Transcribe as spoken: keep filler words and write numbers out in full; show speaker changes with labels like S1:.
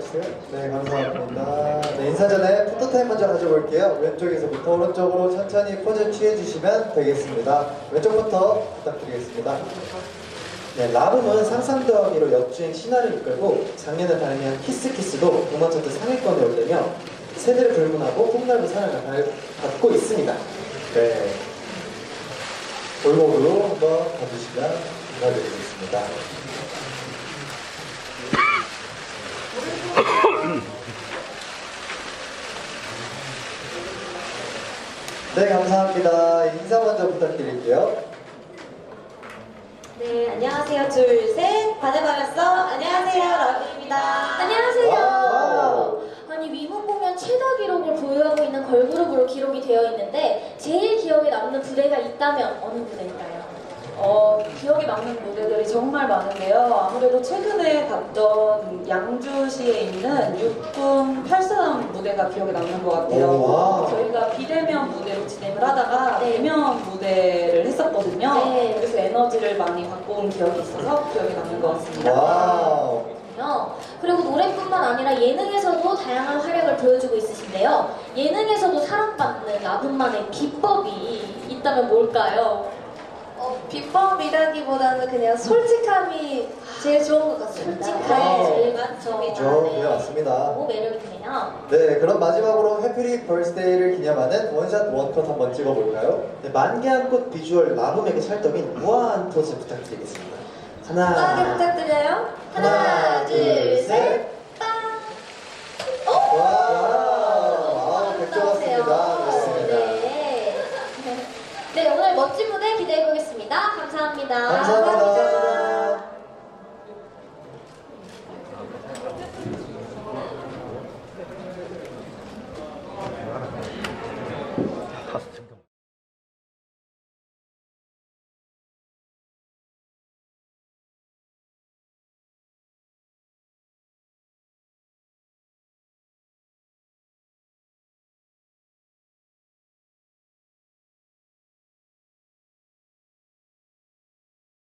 S1: 주세요. 네, 감사합니다. 네, 인사 전에 포토타임 먼저 가져볼게요. 왼쪽에서부터 오른쪽으로 천천히 포즈 취해주시면 되겠습니다. 왼쪽부터 부탁드리겠습니다. 네, 라붐은 상상 더하기로 역주행 신화를 이끌고 작년에 발매한 키스키스도 음원 차트 상위권에 오르며 세대를 불문하고 폭넓은 사랑을 발- 받고 있습니다. 네, 골목으로 한번 봐주시면 감사드리겠습니다. 네, 감사합니다. 인사 먼저 부탁드릴게요.
S2: 네, 안녕하세요. 둘, 셋. 반해버렸어. 안녕하세요. 라비입니다.
S3: 안녕하세요.
S1: 와우.
S3: 아니 위문 공연 최다 기록을 보유하고 있는 걸그룹으로 기록이 되어 있는데 제일 기억에 남는 무대가 있다면 어느 무대일까요?
S4: 어, 기억에 남는 무대들이 정말 많은데요. 아무래도 최근에 갔던 양주시에 있는 육군 팔사단 무대가 기억에 남는 것 같아요.
S1: 오, 와.
S4: 저희가 비대면 무대로 진행을 하다가
S3: 네.
S4: 대면 무대를 했었거든요.
S3: 네.
S4: 그래서 에너지를 많이 받고 온 기억이 있어서 기억에 남는 것 같습니다.
S1: 와우.
S3: 요. 그리고 노래뿐만 아니라 예능에서도 다양한 활약을 보여주고 있으신데요. 예능에서도 사랑받는 라붐만의 비법이 있다면 뭘까요?
S2: 어, 비법이라기보다는 그냥 솔직함이 제일 좋은 것 같습니다.
S3: 솔직함이
S1: 와우.
S3: 제일 많죠.
S1: 저, 네, 맞습니다.
S3: 너무 매력있네요.
S1: 네, 그럼 마지막으로 해피리 벌스데이를 기념하는 원샷 원컷 한번 찍어볼까요? 네, 만개한 꽃 비주얼 라붐에게 찰떡인 우아한 포즈 부탁드리겠습니다. 하나,
S2: 빠르게 부탁드려요.
S1: 하나, 둘, 셋.
S3: 오!
S1: 와우, 백조 같습니다. 그렇습니다.
S3: 네. 네, 오늘 멋진 무대 기대해 보겠습니다. 감사합니다.
S1: 감사합니다.
S5: 다섯 점.